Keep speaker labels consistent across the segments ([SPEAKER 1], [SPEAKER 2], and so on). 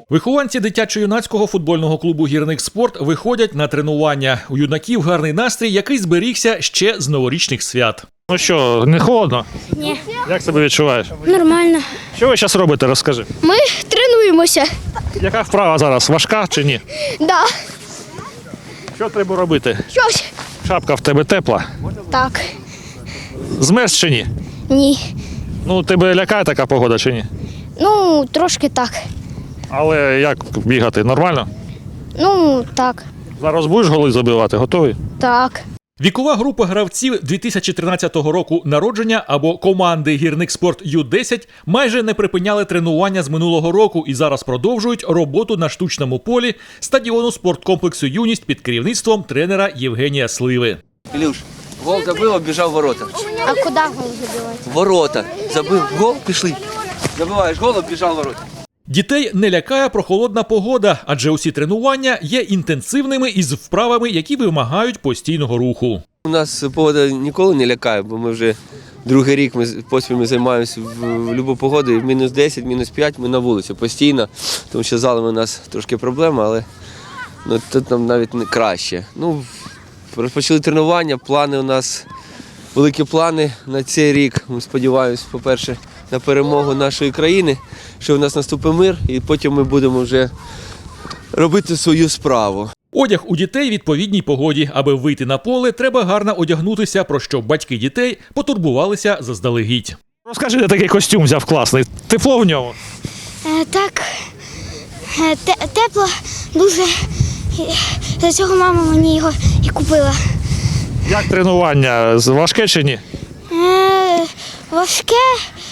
[SPEAKER 1] Вихованці дитячо-юнацького футбольного клубу «Гірник Спорт» виходять на тренування. У юнаків гарний настрій, який зберігся ще з новорічних свят.
[SPEAKER 2] Ну що, не холодно?
[SPEAKER 3] Ні.
[SPEAKER 2] Як себе відчуваєш?
[SPEAKER 3] Нормально.
[SPEAKER 2] Що ви зараз робите, розкажи.
[SPEAKER 3] Ми тренуємося.
[SPEAKER 2] Яка вправа зараз, важка чи ні?
[SPEAKER 3] Да.
[SPEAKER 2] Що треба робити?
[SPEAKER 3] Щось.
[SPEAKER 2] Шапка в тебе тепла?
[SPEAKER 3] Так.
[SPEAKER 2] Змерз чи ні?
[SPEAKER 3] Ні.
[SPEAKER 2] Ну, тебе лякає така погода чи ні?
[SPEAKER 3] Ну, трошки так.
[SPEAKER 2] Але як бігати, нормально?
[SPEAKER 3] Ну, так.
[SPEAKER 2] Зараз будеш голи забивати, готовий?
[SPEAKER 3] Так.
[SPEAKER 1] Вікова група гравців 2013 року народження або команди «Гірник Спорт Ю-10» майже не припиняли тренування з минулого року і зараз продовжують роботу на штучному полі стадіону спорткомплексу «Юність» під керівництвом тренера Євгенія Сливи.
[SPEAKER 4] Ілюш, гол забив, обіжав ворота.
[SPEAKER 3] А куди гол забивати?
[SPEAKER 4] Ворота. Забив гол, пішли. Забиваєш гол, обіжав ворота.
[SPEAKER 1] Дітей не лякає прохолодна погода, адже усі тренування є інтенсивними із вправами, які вимагають постійного руху.
[SPEAKER 4] У нас погода ніколи не лякає, бо ми вже другий рік поспіль займаємося в будь-яку погоду. І мінус 10, мінус 5 ми на вулиці постійно, тому що залами у нас трошки проблема, але тут нам навіть не краще. Розпочали тренування, плани у нас, великі плани на цей рік. Ми сподіваємось, по-перше, на перемогу нашої країни, що в нас наступить мир, і потім ми будемо вже робити свою справу.
[SPEAKER 1] Одяг у дітей відповідній погоді. Аби вийти на поле, треба гарно одягнутися, про що батьки дітей потурбувалися заздалегідь.
[SPEAKER 2] Розкажи, де такий костюм взяв класний. Тепло в ньому?
[SPEAKER 3] Так. Тепло дуже. За цього мама мені його і купила.
[SPEAKER 2] Як тренування? Важке чи ні?
[SPEAKER 3] Важке.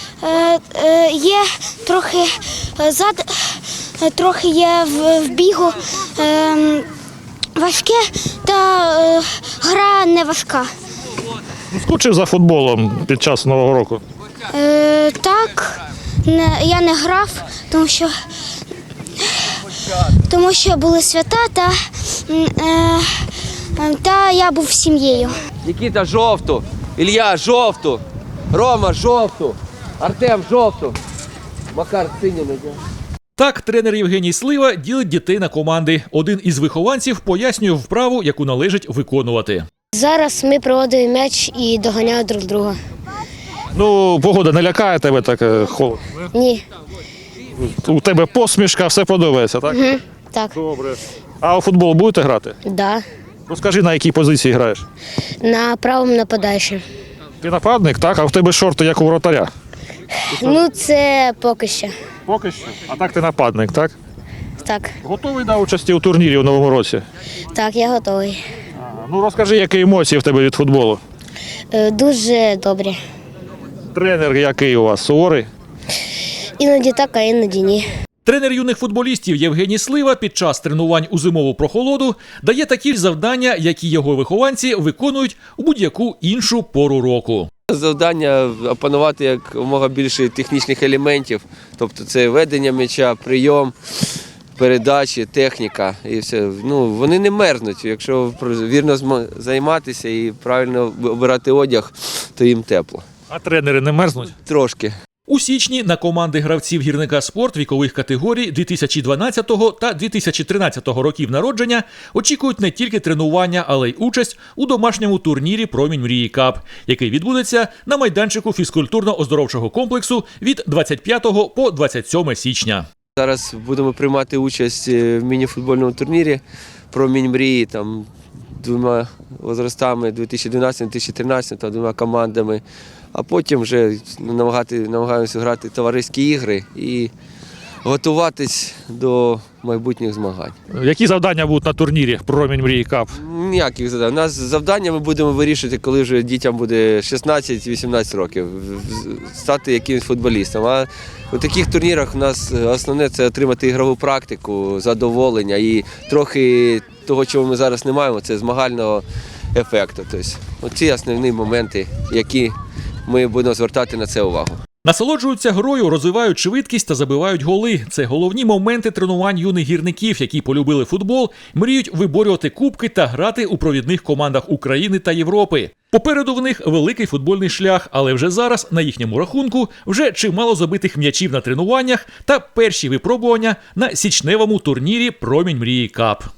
[SPEAKER 3] Є трохи трохи є в бігу. Важке, та гра не важка.
[SPEAKER 2] Скучив за футболом під час Нового року?
[SPEAKER 3] Так, я не грав, тому що були свята, та я був з сім'єю.
[SPEAKER 4] Нікіта, жовту, Ілля, жовту, Рома, жовту, Артем, жовту, Макар, синю надяг.
[SPEAKER 1] Так, тренер Євгеній Слива ділить дітей на команди. Один із вихованців пояснює вправу, яку належить виконувати.
[SPEAKER 3] Зараз ми проводимо м'яч і доганяємо друг друга.
[SPEAKER 2] Ну, погода не лякає тебе так холодно?
[SPEAKER 3] Ні.
[SPEAKER 2] У тебе посмішка, все подобається, так?
[SPEAKER 3] Так.
[SPEAKER 2] Добре. А у футбол будете грати?
[SPEAKER 3] Да.
[SPEAKER 2] Розкажи, на якій позиції граєш?
[SPEAKER 3] На правому нападаючому.
[SPEAKER 2] Ти нападник, так? А в тебе шорти, як у воротаря?
[SPEAKER 3] Ну, це поки що.
[SPEAKER 2] Поки що. А так ти нападник, так?
[SPEAKER 3] Так.
[SPEAKER 2] Готовий до участі у турнірі у Новому році?
[SPEAKER 3] Так, я готовий.
[SPEAKER 2] Ну розкажи, які емоції в тебе від футболу?
[SPEAKER 3] Дуже добре.
[SPEAKER 2] Тренер який у вас? Суворий?
[SPEAKER 3] Іноді так, а іноді ні.
[SPEAKER 1] Тренер юних футболістів Євгеній Слива під час тренувань у зимову прохолоду дає такі ж завдання, які його вихованці виконують у будь-яку іншу пору року.
[SPEAKER 4] Завдання опанувати якомога більше технічних елементів, тобто це ведення м'яча, прийом, передачі, техніка і все. Вони не мерзнуть, якщо вірно займатися і правильно обирати одяг, то їм тепло.
[SPEAKER 2] А тренери не мерзнуть?
[SPEAKER 4] Трошки.
[SPEAKER 1] У січні на команди гравців «Гірника Спорт» вікових категорій 2012 та 2013 років народження очікують не тільки тренування, але й участь у домашньому турнірі «Промінь мрії Кап», який відбудеться на майданчику фізкультурно-оздоровчого комплексу від 25 по 27 січня.
[SPEAKER 4] Зараз будемо приймати участь в міні-футбольному турнірі «Промінь мрії», там двома возрастами 2012-2013, та двома командами. А потім вже намагаємося грати товариські ігри і готуватись до майбутніх змагань.
[SPEAKER 2] Які завдання будуть на турнірі «Промінь мрії Кап»?
[SPEAKER 4] Ніяких завдань. У нас завдання ми будемо вирішити, коли вже дітям буде 16-18 років, стати якимось футболістом. А у таких турнірах у нас основне – це отримати ігрову практику, задоволення і трохи того, чого ми зараз не маємо, це змагального ефекту. Тобто, оці основні моменти, які ми будемо звертати на це увагу.
[SPEAKER 1] Насолоджуються грою, розвивають швидкість та забивають голи. Це головні моменти тренувань юних гірників, які полюбили футбол, мріють виборювати кубки та грати у провідних командах України та Європи. Попереду в них великий футбольний шлях, але вже зараз на їхньому рахунку вже чимало забитих м'ячів на тренуваннях та перші випробування на січневому турнірі «Промінь Мрії Кап».